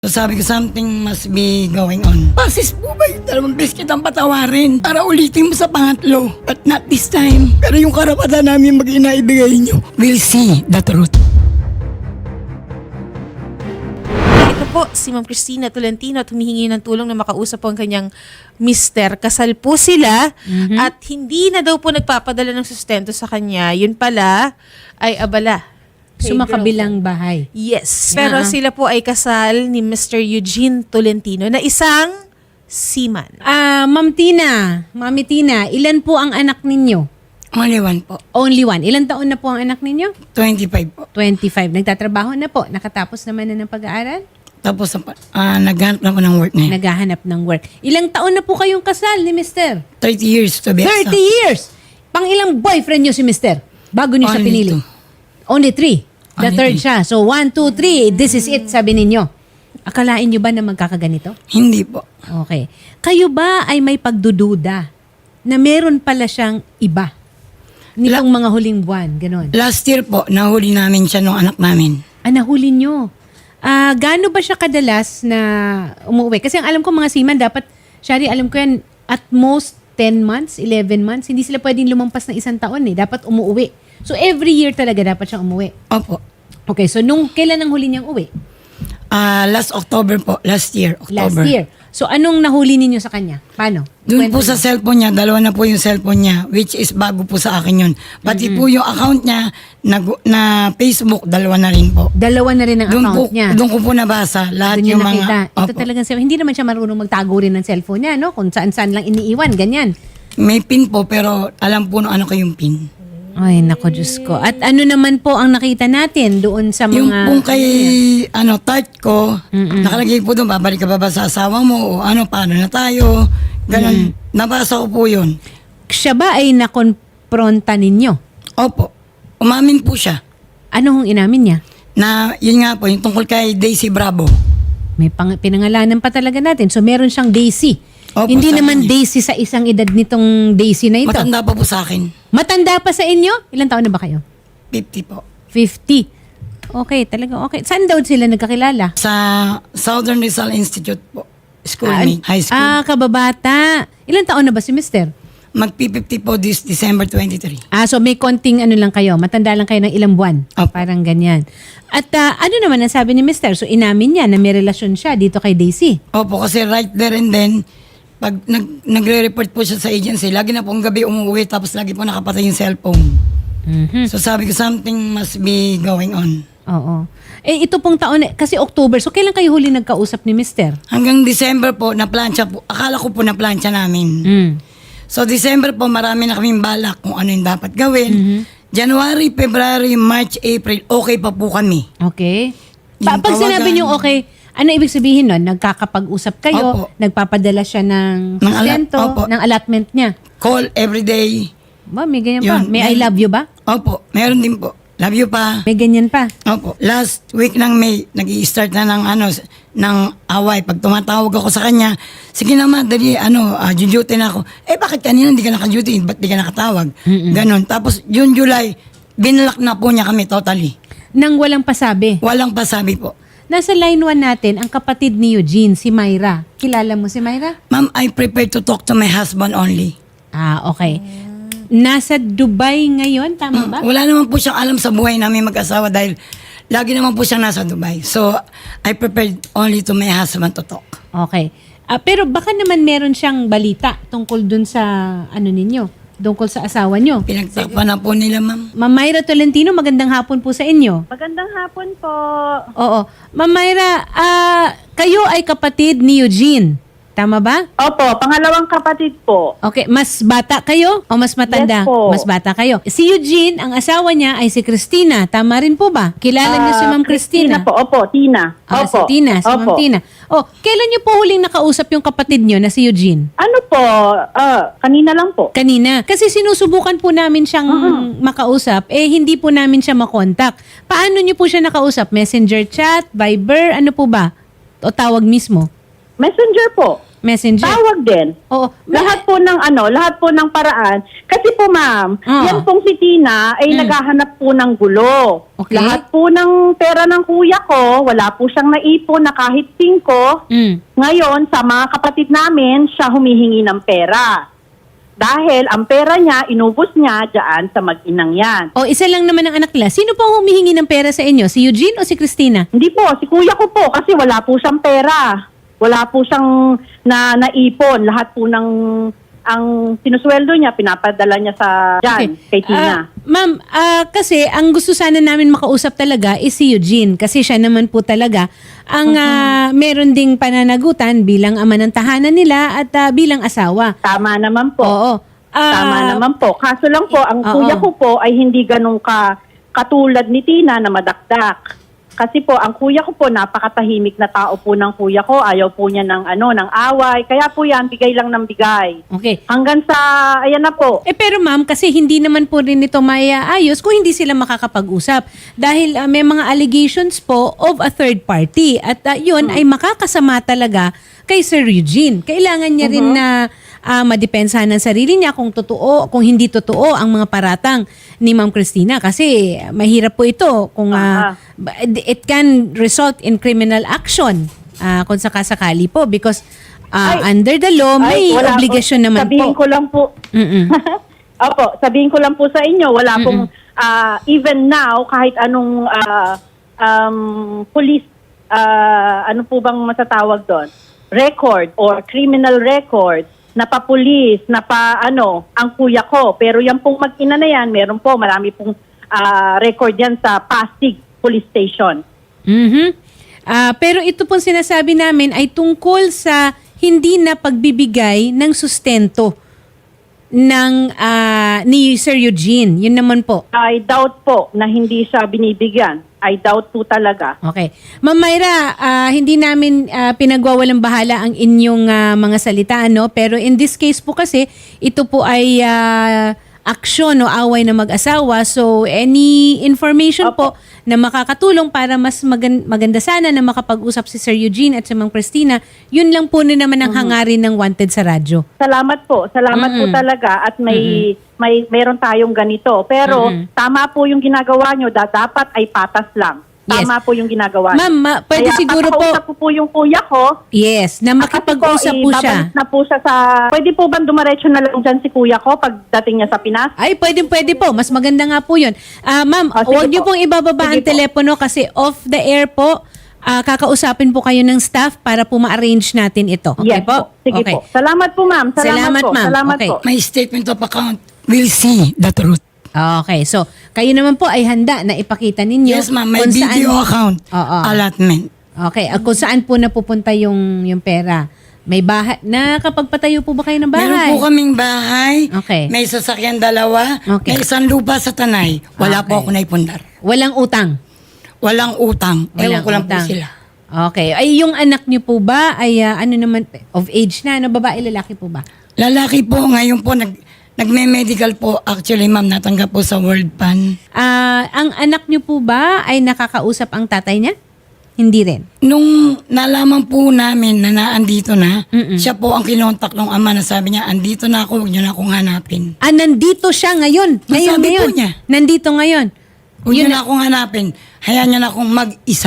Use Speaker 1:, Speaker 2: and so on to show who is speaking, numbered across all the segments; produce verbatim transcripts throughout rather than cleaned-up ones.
Speaker 1: So sabi ko, something must be going on. Pasis po ba yung dalawang beses kitang patawarin para ulitin mo sa pangatlo? But not this time. Pero yung karapatan namin mag-inaibigay nyo. We'll see the truth.
Speaker 2: Ito po, si Ma'am Cristina Tolentino at humihingi ng tulong na makausap po ang kanyang mister. Kasal po sila
Speaker 3: Mhm.
Speaker 2: at hindi na daw po nagpapadala ng sustento sa kanya. Yun pala ay abala. Kay
Speaker 3: Sumakabilang bahay.
Speaker 2: Yes. Pero
Speaker 3: Ah.
Speaker 2: sila po ay kasal ni Mister Eugene Tolentino na isang seaman.
Speaker 3: Ah, Ma'am Tina, Mami Tina, ilan po ang anak ninyo?
Speaker 1: Only one po.
Speaker 3: Only one. Ilan taon na po ang anak ninyo?
Speaker 1: twenty-five po.
Speaker 3: twenty-five. Nagtatrabaho na po. Nakatapos naman na ng pag-aaral?
Speaker 1: Tapos uh, naghanap na po ng work na yun.
Speaker 3: Naghahanap ng work. Ilang taon na po kayong kasal ni Mister?
Speaker 1: thirty years to be exact.
Speaker 3: thirty years! Pang ilang boyfriend nyo si Mister? Bago nyo siya
Speaker 1: Only
Speaker 3: pinili?
Speaker 1: two.
Speaker 3: Only three. The
Speaker 1: Only
Speaker 3: third
Speaker 1: three.
Speaker 3: siya. So, one, two, three. This is it, sabi ninyo. Akalain nyo ba na magkakaganito?
Speaker 1: Hindi po.
Speaker 3: Okay. Kayo ba ay may pagdududa na meron pala siyang iba nitong mga huling buwan? Ganon.
Speaker 1: Last year po, nahuli namin siya nung anak namin.
Speaker 3: Ah, nahuli nyo. Ah, gaano ba siya kadalas na umuwi? Kasi ang alam ko mga seaman, dapat, Shari, alam ko yan, at most ten months, eleven months, hindi sila pwedeng lumampas ng isang taon eh. Dapat umuwi. So, every year talaga dapat siyang umuwi.
Speaker 1: Opo.
Speaker 3: Okay, so nung kailan ang huli niyang uwi?
Speaker 1: Ah, last October po. Last year,
Speaker 3: Last
Speaker 1: October.
Speaker 3: year. So, anong nahuli ninyo sa kanya? Paano?
Speaker 1: Doon po
Speaker 3: Kwento
Speaker 1: sa
Speaker 3: niyo.
Speaker 1: cellphone niya, dalawa na po yung cellphone niya, which is bago po sa akin yun. Pati po yung account niya na, na Facebook, dalawa na rin po.
Speaker 3: Dalawa na rin ang
Speaker 1: Doon po,
Speaker 3: account niya.
Speaker 1: doon ko po nabasa lahat
Speaker 3: Doon niya
Speaker 1: yung
Speaker 3: nakita.
Speaker 1: mga...
Speaker 3: Ito
Speaker 1: Opo.
Speaker 3: talagang siya. Hindi naman siya marunong magtago rin ng cellphone niya, no? Kung saan-saan lang iniiwan, ganyan.
Speaker 1: May pin po, pero alam po no ano ko yung pin.
Speaker 3: Ay, nako, Diyos ko. At ano naman po ang nakita natin doon sa mga...
Speaker 1: Yung pong kay, ano, tart ko, nakalagay po doon, babalik ka ba ba sa asawa mo, o ano, paano na tayo, ganun. Nabasa ko po yun.
Speaker 3: Siya ba ay nakonpronta ninyo?
Speaker 1: Opo, umamin po siya.
Speaker 3: Ano hong inamin niya?
Speaker 1: Na, yun nga po, yung tungkol kay Daisy Bravo.
Speaker 3: May pang- pinangalanan pa talaga natin. So, meron siyang Daisy.
Speaker 1: Opo,
Speaker 3: Hindi
Speaker 1: sa
Speaker 3: naman
Speaker 1: kanya.
Speaker 3: Daisy sa isang edad nitong Daisy na ito.
Speaker 1: Matanda pa po sa akin.
Speaker 3: Matanda pa sa inyo? Ilan taon na ba kayo?
Speaker 1: fifty po.
Speaker 3: fifty. Okay, talaga okay. Saan daw sila nagkakilala?
Speaker 1: Sa Southern Rizal Institute po.
Speaker 3: Ah,
Speaker 1: Schoolmate, high school.
Speaker 3: Ah, kababata. Ilan taon na ba si Mister?
Speaker 1: Mag-fifty po this December twenty-three.
Speaker 3: Ah, so may konting ano lang kayo. Matanda lang kayo ng ilang buwan.
Speaker 1: Opo.
Speaker 3: Parang ganyan. At ah, ano naman ang sabi ni Mister? So inamin niya na may relasyon siya dito kay Daisy.
Speaker 1: Opo, kasi right there and then, pag nag, nagre-report po siya sa agency, lagi na pong gabi umuwi, tapos lagi po nakapatay yung cellphone.
Speaker 3: Mhm.
Speaker 1: So sabi ko, something must be going on.
Speaker 3: Oo. Eh ito pong taon, eh, kasi October, so kailan kayo huli nagkausap ni Mister?
Speaker 1: Hanggang December po, na-plancha po. Akala ko po na-plancha namin.
Speaker 3: Mm.
Speaker 1: So December po, marami na kaming balak kung ano yung dapat gawin. January, February, March, April, okay pa po kami.
Speaker 3: Okay. Pa-
Speaker 1: Yung
Speaker 3: pag sinabi
Speaker 1: tawagan.
Speaker 3: niyo okay, ano ibig sabihin nun? Nagkakapag-usap kayo,
Speaker 1: Opo.
Speaker 3: nagpapadala siya ng
Speaker 1: Ng ala-
Speaker 3: sustento,
Speaker 1: Opo.
Speaker 3: ng allotment niya.
Speaker 1: Call every day.
Speaker 3: Ba, may ganyan pa.
Speaker 1: Yun.
Speaker 3: May I love you ba?
Speaker 1: Opo, meron din po. Love you pa.
Speaker 3: May ganyan pa.
Speaker 1: Opo. Last week ng May, nag-i-start na ng ano, s- ng away. Pag tumatawag ako sa kanya, sige naman, dali, ano, uh, duty na ako. Eh, bakit kanina hindi ka naka-duty? Ba't di ka nakatawag? Ganon. Tapos, June, July, binlock na po niya kami totally.
Speaker 3: Nang walang pasabi.
Speaker 1: Walang pasabi po.
Speaker 3: Nasa line one natin, ang kapatid ni Eugene, si Myra. Kilala mo si Myra?
Speaker 1: Ma'am, I prefer to talk to my husband only.
Speaker 3: Ah, okay. Nasa Dubai ngayon, tama ba?
Speaker 1: Wala naman po siyang alam sa buhay namin mag-asawa dahil lagi naman po siyang nasa Dubai. So, I prefer only to my husband to talk.
Speaker 3: Okay. Ah, pero baka naman meron siyang balita tungkol dun sa ano ninyo, tungkol sa asawa nyo.
Speaker 1: Pinagtakpan na po nila, ma'am.
Speaker 3: Ma'am Myra Tolentino, magandang hapon po sa inyo.
Speaker 4: Magandang hapon po.
Speaker 3: Oo. Ma'am Myra, ah, kayo ay kapatid ni Eugene. Tama ba?
Speaker 4: Opo, pangalawang kapatid po.
Speaker 3: Okay, mas bata kayo o mas matanda?
Speaker 4: Yes po.
Speaker 3: Mas bata kayo. Si Eugene, ang asawa niya ay si Christina. Tama rin po ba? Kilala niyo si
Speaker 4: Ah,
Speaker 3: Ma'am Christina?
Speaker 4: po, opo, Tina.
Speaker 3: Ah,
Speaker 4: Opo.
Speaker 3: si Tina, si Ma'am
Speaker 4: Opo.
Speaker 3: Tina. Oh, kailan niyo po huling nakausap yung kapatid niyo na si Eugene?
Speaker 4: Ano po, ah, kanina lang po.
Speaker 3: Kanina. Kasi sinusubukan po namin siyang makausap, eh hindi po namin siya makontak. Paano niyo po siya nakausap? Messenger chat, Viber, ano po ba? O tawag mismo?
Speaker 4: Messenger po.
Speaker 3: Messenger.
Speaker 4: Tawag din.
Speaker 3: Oo.
Speaker 4: Lahat po ng ano, lahat po ng paraan. Kasi po ma'am,
Speaker 3: Oo.
Speaker 4: yan pong si Tina ay naghahanap po ng gulo.
Speaker 3: Okay.
Speaker 4: Lahat po ng pera ng kuya ko, wala po siyang naipon na kahit singko.
Speaker 3: Mm.
Speaker 4: Ngayon, sa mga kapatid namin, siya humihingi ng pera. Dahil ang pera niya, inubos niya dyan sa mag-inang yan.
Speaker 3: O, isa lang naman ang anak nila. Sino po ang humihingi ng pera sa inyo? Si Eugene o si Christina?
Speaker 4: Hindi po, si kuya ko po kasi wala po siyang pera. Wala po siyang na naipon. Lahat po ng ang sinusweldo niya, pinapadala niya sa dyan, kay
Speaker 3: Ah,
Speaker 4: Tina.
Speaker 3: ma'am, ah, kasi ang gusto sana namin makausap talaga is si Eugene kasi siya naman po talaga ang ah, meron ding pananagutan bilang ama ng tahanan nila at ah, bilang asawa.
Speaker 4: Tama naman po.
Speaker 3: Oo. Ah,
Speaker 4: Tama naman po. Kaso lang po, ang
Speaker 3: Oo.
Speaker 4: kuya ko po ay hindi ganun ka katulad ni Tina na madakdak. Kasi po, ang kuya ko po, napakatahimik na tao po ng kuya ko. Ayaw po niya ng, ano, ng away. Kaya po yan, bigay lang ng bigay.
Speaker 3: Okay.
Speaker 4: Hanggang sa, ayan na po.
Speaker 3: Eh pero ma'am, kasi hindi naman po rin ito maiaayos kung hindi sila makakapag-usap. Dahil ah, may mga allegations po of a third party. At ah, yun ay makakasama talaga kay Sir Eugene. Kailangan niya rin na ah, madepensahan ng sarili niya kung totoo, kung hindi totoo ang mga paratang ni Ma'am Christina. Kasi ah, mahirap po ito kung ah, it can result in criminal action ah, kung sakasakali po because ah,
Speaker 4: Ay,
Speaker 3: under the law, may
Speaker 4: Ay, wala
Speaker 3: obligasyon
Speaker 4: po.
Speaker 3: naman
Speaker 4: Sabihin
Speaker 3: po.
Speaker 4: ko lang po.
Speaker 3: Mm-mm.
Speaker 4: Opo, sabihin ko lang po sa inyo, wala pong, ah, even now, kahit anong ah, um, police, ah, ano po bang matatawag doon? Record or criminal record na pa-police, na pa ano, ang kuya ko. Pero yan pong mag-ina na yan, meron po, marami pong ah, record yan sa Pasig Police Station.
Speaker 3: Mhm. Ah, pero ito pong sinasabi namin ay tungkol sa hindi na pagbibigay ng sustento ng ah, ni Sir Eugene. Yun naman po.
Speaker 4: I doubt po na hindi siya binibigyan. I doubt po talaga.
Speaker 3: Okay. Ma'am Myra, ah, hindi namin ah, pinagwawalang bahala ang inyong ah, mga salita, no? Pero in this case po kasi, ito po ay ah, aksyon o away na mag-asawa. So, any information po na makakatulong para mas magan- maganda sana na makapag-usap si Sir Eugene at si Ma'am Christina, yun lang po na naman ang hangarin ng Wanted sa radyo.
Speaker 4: Salamat po. Salamat po talaga at may may meron tayong ganito. Pero tama po yung ginagawa nyo. Da, dapat ay patas lang.
Speaker 3: Yes.
Speaker 4: Tama po yung ginagawa nyo.
Speaker 3: Ma'am, ma- pwede
Speaker 4: Kaya
Speaker 3: siguro po,
Speaker 4: papakausap ko po yung kuya ko.
Speaker 3: yes, na makipag-usap po siya.
Speaker 4: ibabalik na po siya sa... Pwede po ba dumaretso na lang dyan si kuya ko pagdating niya sa Pinas?
Speaker 3: Ay, pwede, pwede po. Mas maganda nga po yun. Ah, ma'am,
Speaker 4: Ah, sige
Speaker 3: huwag niyo
Speaker 4: po.
Speaker 3: pong ibababa
Speaker 4: Sige
Speaker 3: ang
Speaker 4: po.
Speaker 3: telepono kasi off the air po, ah, kakausapin po kayo ng staff para po ma-arrange natin ito. Okay
Speaker 4: Yes
Speaker 3: po?
Speaker 4: Sige
Speaker 3: Okay.
Speaker 4: po. Salamat po ma'am. Salamat,
Speaker 3: Salamat,
Speaker 4: po.
Speaker 3: ma'am.
Speaker 4: Salamat
Speaker 3: Okay.
Speaker 4: po.
Speaker 1: My statement of account will see the truth.
Speaker 3: Okay, so kayo naman po ay handa na ipakita ninyo
Speaker 1: Yes, ma'am. May
Speaker 3: kung saan-
Speaker 1: video account.
Speaker 3: Oo.
Speaker 1: Allotment.
Speaker 3: Okay, at kung saan po napupunta yung yung pera. May bahay, nakapagpatayo po ba kayo ng bahay?
Speaker 1: Meron po kaming bahay.
Speaker 3: Okay.
Speaker 1: May sasakyan dalawa.
Speaker 3: Okay.
Speaker 1: May isang lupa sa Tanay. Wala
Speaker 3: Okay.
Speaker 1: po ako naipundar.
Speaker 3: Walang utang.
Speaker 1: Walang utang. Ewan
Speaker 3: Walang
Speaker 1: ko lang
Speaker 3: utang.
Speaker 1: po sila.
Speaker 3: Okay. Ay, yung anak niyo po ba ay ah, ano naman, of age na? Ano, babae, lalaki po ba?
Speaker 1: Lalaki po, ngayon po, nag, nagme-medical po. Actually, ma'am, natanggap po sa World Pan.
Speaker 3: Ah, ang anak niyo po ba ay nakakausap ang tatay niya? Hindi rin.
Speaker 1: Nung nalaman po namin na naandito na,
Speaker 3: Mm-mm.
Speaker 1: siya po ang kinontak ng ama na sabi niya, andito na ako, huwag niyo na akong hanapin.
Speaker 3: Ah, nandito siya ngayon. Ngayon,
Speaker 1: Nasabi po
Speaker 3: ngayon.
Speaker 1: niya.
Speaker 3: Nandito ngayon.
Speaker 1: Huwag niyo
Speaker 3: Yun
Speaker 1: na akong hanapin. Hayaan niyo na akong mag-isa.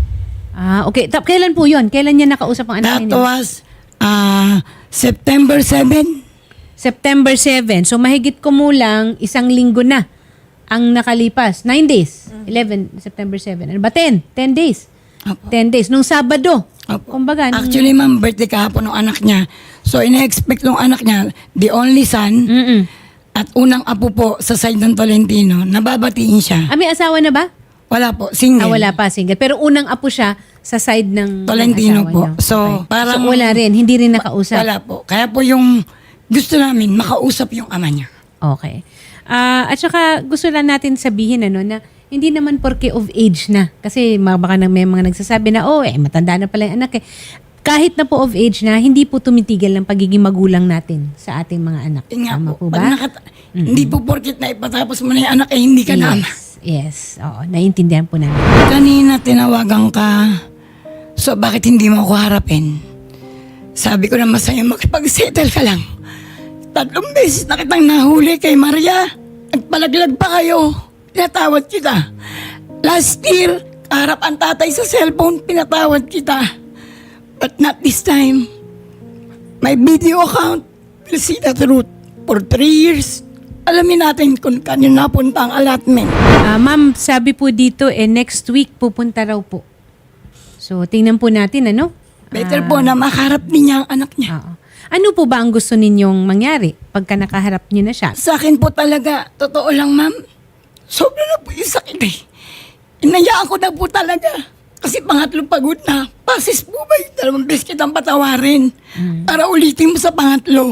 Speaker 3: Ah, okay. Ta- kailan po yun? Kailan niya nakausap ang anak
Speaker 1: That
Speaker 3: niya?
Speaker 1: was uh, September seventh.
Speaker 3: September seventh. So, mahigit kumulang isang linggo na ang nakalipas. Nine days. eleven, September seventh. Ano ba? Ten. Ten days.
Speaker 1: Opo.
Speaker 3: Ten days. Nung Sabado.
Speaker 1: Opo.
Speaker 3: Kumbaga. nung-
Speaker 1: Actually, ma'am, birthday kahapon ng anak niya. So, ina-expect ng anak niya, the only son,
Speaker 3: Mm-mm.
Speaker 1: at unang apo po sa side ng Tolentino, nababatiin siya.
Speaker 3: Ah, may asawa na ba?
Speaker 1: Wala po, single.
Speaker 3: Ah, wala pa, single. Pero unang apo siya sa side ng ng
Speaker 1: Tolentino
Speaker 3: asawa
Speaker 1: po.
Speaker 3: niyo.
Speaker 1: So, parang-
Speaker 3: So, wala rin. Hindi rin nakausap.
Speaker 1: Wala po. Kaya po yung gusto namin, makausap yung ama niya.
Speaker 3: Okay. Ah, at saka gusto lang natin sabihin ano na hindi naman porke of age na. Kasi mga- baka na may mga nagsasabi na, oh, eh, matanda na pala yung anak eh. Kahit na po of age na, hindi po tumitigil ang pagiging magulang natin sa ating mga anak.
Speaker 1: Yun nga
Speaker 3: Tama
Speaker 1: po.
Speaker 3: po
Speaker 1: Pag
Speaker 3: ba?
Speaker 1: nakata- Hindi po porkit na ipatapos mo na yung anak, eh hindi ka na ama.
Speaker 3: Yes. Yes. Oo, naiintindihan po namin.
Speaker 1: Kanina tinawagan ka, so bakit hindi mo ako harapin? Sabi ko na masaya makipag-settle ka lang. Tatlong beses na kitang nahuli kay Maria. Nagpalaglag pa kayo. Pinatawad kita. Last year, kaharap ang tatay sa cellphone, pinatawad kita. But not this time. My video account will see the truth. For three years, alamin natin kung kanino napunta ang allotment.
Speaker 3: Ah, ma'am, sabi po dito, eh, next week pupunta raw po. So, tingnan po natin, ano?
Speaker 1: Better po na makaharap din niya ang anak niya.
Speaker 3: Oo. Ano po ba ang gusto ninyong mangyari pagka nakaharap niyo na siya?
Speaker 1: Sa akin po talaga, totoo lang ma'am, sobra na po yung sakit eh. Inayaan ko na po talaga. Kasi pangatlo pagod na. Pasis po ba yung dalawang beses kitang patawarin para ulitin mo sa pangatlo.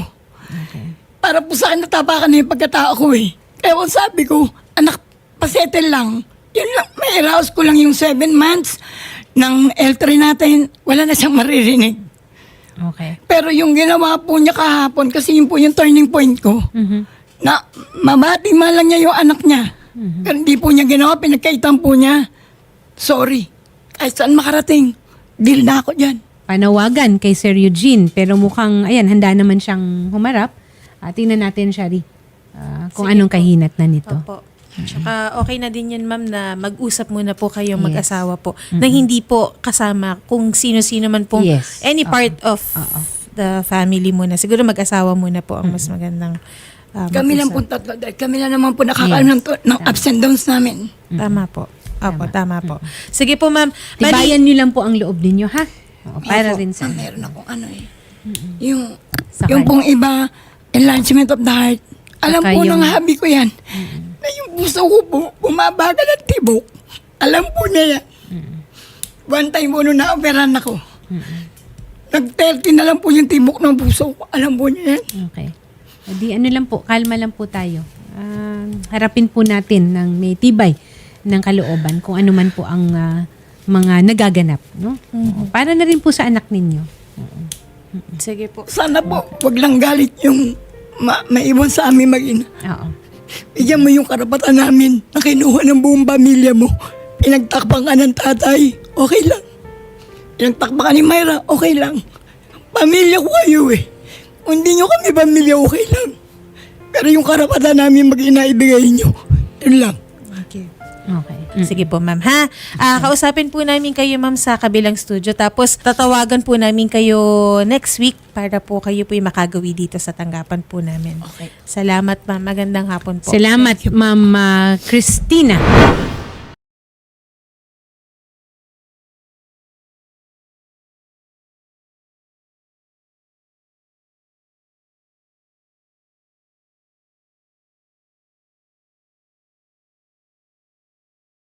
Speaker 1: Para po sa akin natapakan na yung pagkatao ko eh. Kaya kung sabi ko, anak, pasettle lang. Yun lang, may arouse ko lang yung seven months ng L three natin, wala na siyang maririnig.
Speaker 3: Okay.
Speaker 1: Pero yung ginawa po niya kahapon, kasi yun po yung turning point ko,
Speaker 3: Mhm.
Speaker 1: na mabati man lang niya yung anak niya. Pero hindi po niya ginawa, pinagkaitan po niya. Sorry. Kahit saan makarating, deal na ako dyan.
Speaker 3: Panawagan kay Sir Eugene, pero mukhang, ayan, handa naman siyang humarap. Uh, tingnan natin, Shari, ah, kung
Speaker 2: Sige
Speaker 3: anong
Speaker 2: po.
Speaker 3: kahinat na nito.
Speaker 2: Opo. Tsaka okay na din yan, ma'am, na mag-usap muna po kayong
Speaker 3: Yes.
Speaker 2: mag-asawa po. Na hindi po kasama kung sino-sino man pong
Speaker 3: Yes.
Speaker 2: any part of
Speaker 3: Oo.
Speaker 2: the family muna. Siguro mag-asawa muna po ang mas magandang uh,
Speaker 1: Kami lang po
Speaker 2: mag-usap.
Speaker 1: tatlo, dahil kami lang naman po nakakaalam ng, ng ups and downs namin.
Speaker 2: Tama po. Opo, tama, po. Sige po, ma'am. Bali-
Speaker 3: Tibayan niyo lang po ang loob ninyo, ha? Oo, para
Speaker 1: Opo,
Speaker 3: rin sa...
Speaker 1: ah, meron akong ano eh. Yung,
Speaker 3: Sa
Speaker 1: yung
Speaker 3: kanya.
Speaker 1: pong iba, enlargement of the heart. Alam
Speaker 3: Saka
Speaker 1: po
Speaker 3: yung-
Speaker 1: ng habi ko yan. Na yung puso ko po, bumabagal at tibok. Alam po niya yan. One time po nung na-operan ako. Nag-thirty na lang po yung tibok ng puso ko. Alam po niya yan.
Speaker 3: Okay. O di ano lang po, kalma lang po tayo. Ah, harapin po natin ng may tibay ng kalooban kung ano man po ang ah, mga nagaganap. No? Para na rin po sa anak ninyo.
Speaker 2: Sige po.
Speaker 1: Sana po, wag lang galit yung ma maiwan sa amin mag-ina.
Speaker 3: Oo.
Speaker 1: Bigyan mo yung karapatan namin na kinuha ng buong pamilya mo. Pinagtakpan ka ng tatay, okay lang. Pinagtakpan ka ni Myra, okay lang. Pamilya ko kayo eh. Kung hindi nyo kami pamilya, okay lang. Pero yung karapatan namin mag-ina, ibigay nyo. Yun lang.
Speaker 2: Okay.
Speaker 3: Okay.
Speaker 2: Sige po, ma'am. Ha? Ah, kausapin po namin kayo, ma'am, sa kabilang studio. Tapos, tatawagan po namin kayo next week para po kayo po yung makagawi dito sa tanggapan po namin.
Speaker 1: Okay.
Speaker 2: Salamat, ma'am. Magandang hapon po.
Speaker 3: Salamat, Ma'am ah, Christina.